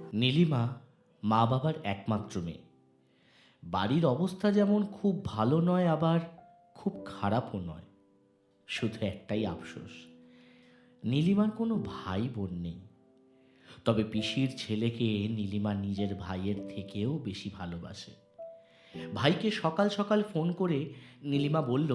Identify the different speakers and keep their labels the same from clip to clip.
Speaker 1: নীলিমা মা বাবার একমাত্র মেয়ে। বাড়ির অবস্থা যেমন খুব ভালো নয়, আবার খুব খারাপও নয়। শুধু একটাই আফসোস, নীলিমার কোনো ভাই বোন নেই। তবে পিসির ছেলেকে নীলিমা নিজের ভাইয়ের থেকেও বেশি ভালোবাসে। ভাইকে সকাল সকাল ফোন করে নীলিমা বলল,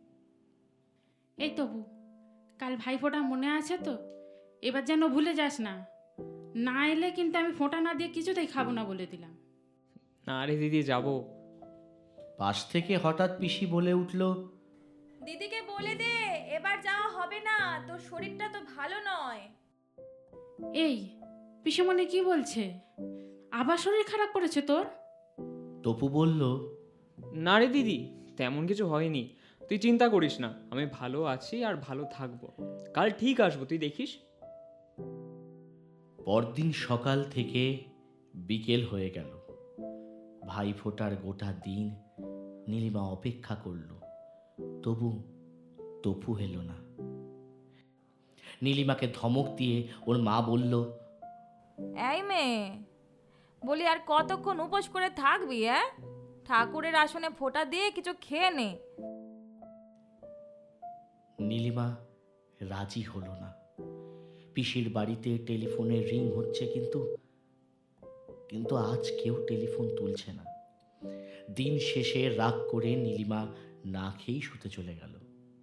Speaker 2: এই তবু কাল ভাইফোঁটা মনে আছে তো? এবার যেন ভুলে যাস না। না এলে কিন্তু আমি ফোঁটা না দিয়ে কিছুতেই খাবো না বলে দিলাম।
Speaker 3: না রে দিদি, যাবো।
Speaker 1: পাশ থেকে হঠাৎ পিসি বলে উঠল,
Speaker 4: দিদিকে বলে দে এবার যাওয়া হবে না, তোর শরীরটা তো ভালো নয়।
Speaker 2: এই পিসেমণি কি বলছে? আবার শরীর খারাপ করেছে তোর?
Speaker 1: তপু বলল,
Speaker 3: না রে দিদি, তেমন কিছু হয়নি। তুই চিন্তা করিস না, আমি ভালো আছি আর ভালো থাকবো। কাল ঠিক আসবো, তুই দেখিস।
Speaker 1: পরদিন সকাল থেকে বিকেল হয়ে গেল। ভাইফোঁটার গোটা দিন নীলিমা অপেক্ষা করল, তবু তপু এলো না। নীলিমাকে ধমক দিয়ে ওর মা বলল,
Speaker 4: এই মেয়ে, বলি আর কতক্ষণ উপোস করে থাকবি? ঠাকুরের আসনে ফোঁটা দিয়ে কিছু খেয়ে নে।
Speaker 1: নীলিমা রাজি হলো না। পিসির বাড়িতে টেলিফোনের রিং হচ্ছে, কিন্তু আজ কেউ টেলিফোন তুলছে না। দিন শেষে রাগ করে নীলিমা না খেয়েই শুতে চলে গেল।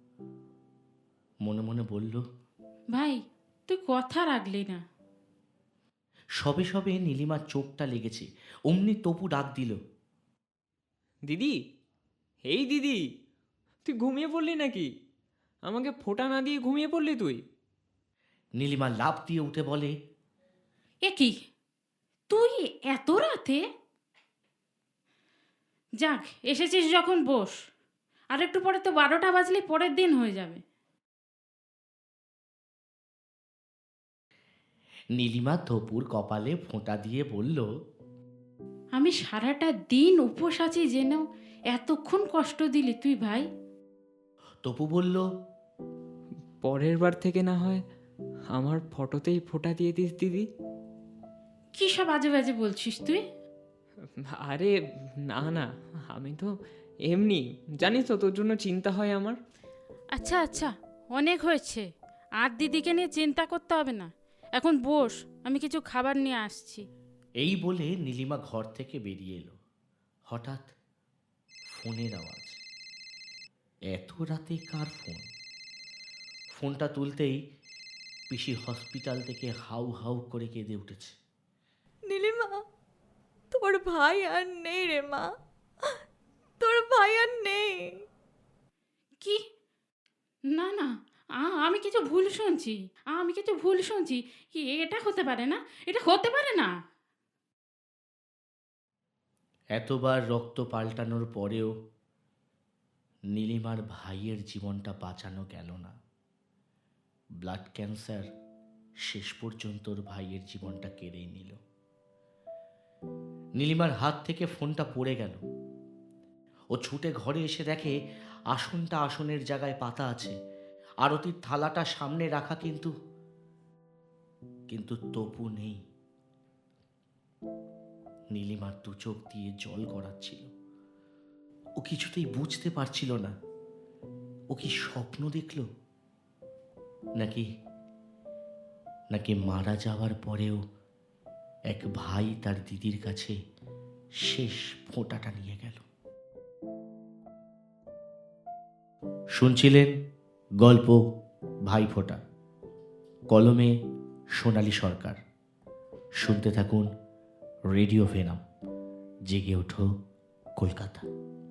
Speaker 1: মনে মনে বলল,
Speaker 2: ভাই তুই কথা রাখলি না।
Speaker 1: সবে সবে নীলিমার চোখটা লেগেছে, অমনি তপু ডাক দিল,
Speaker 3: দিদি, এই দিদি, তুই ঘুমিয়ে পড়লি নাকি? আমাকে ফোঁটা না দিয়ে ঘুমিয়ে পড়লি তুই?
Speaker 1: নীলিমা লাফ দিয়ে উঠে বলে,
Speaker 2: এ কি, তুই এত রাতে? যাক, এসেছিস যখন বস। আর একটু পরে তো 12টা বাজলে পরের দিন হয়ে যাবে।
Speaker 1: নীলিমা তপুর কপালে ফোঁটা দিয়ে বলল,
Speaker 2: আমি সারাটা দিন উপোস আছি জেনেও এতক্ষণ কষ্ট দিলি তুই ভাই।
Speaker 1: তপু বলল,
Speaker 3: পরের বার থেকে না হয় আমার ফটোতেই ফোঁটা দিয়ে দিস দিদি।
Speaker 2: কি সব আজে বাজে বলছিস তুই?
Speaker 3: আরে না না, আমি তো এমনি, জানিস তো তোর জন্য চিন্তা হয় আমার।
Speaker 2: আচ্ছা আচ্ছা, অনেক হয়েছে। আর দিদিকে নিয়ে চিন্তা করতে হবে না। এখন বস, আমি কিছু খাবার নিয়ে আসছি।
Speaker 1: এই বলে নীলিমা ঘর থেকে বেরিয়ে এলো। হঠাৎ ফোনের আওয়াজ। এত রাতে কার ফোন? ফোনটা তুলতেই পিসি হসপিটাল থেকে হাউ হাউ করে কেঁদে উঠেছে।
Speaker 4: নীলিমা, তোর ভাই আর নেই রে মা, তোর ভাই আর নেই।
Speaker 2: কি? না না, আমি কিছু ভুল শুনছি। আমি কিছু ভুল শুনছি। কি, এটা হতে পারে না, এটা হতে পারে না।
Speaker 1: এতবার রক্ত পাল্টানোর পরেও নীলিমার ভাইয়ের জীবনটা বাঁচানো গেল না। ব্লাড ক্যান্সার শেষ পর্যন্ত ওর ভাইয়ের জীবনটা কেড়েই নিল। নীলিমার হাত থেকে ফোনটা পড়ে গেল। ও ছুটে ঘরে এসে দেখে আসনটা আসনের জায়গায় পাতা আছে, আরতির থালাটা সামনে রাখা, কিন্তু তপু নেই। নীলিমার দু চোখ দিয়ে জল গড়াচ্ছিল। ও কিছুতেই বুঝতে পারছিল না, ও কি স্বপ্ন দেখল, নাকি নাকি মারা যাওয়ার পরেও এক ভাই তার দিদির কাছে শেষ ফোঁটাটা নিয়ে গেল। শুনছিলেন গল্প ভাইফোঁটা, কলমে সোনালী সরকার। শুনতে থাকুন রেডিও ভেনাম। জেগে ওঠো কলকাতা।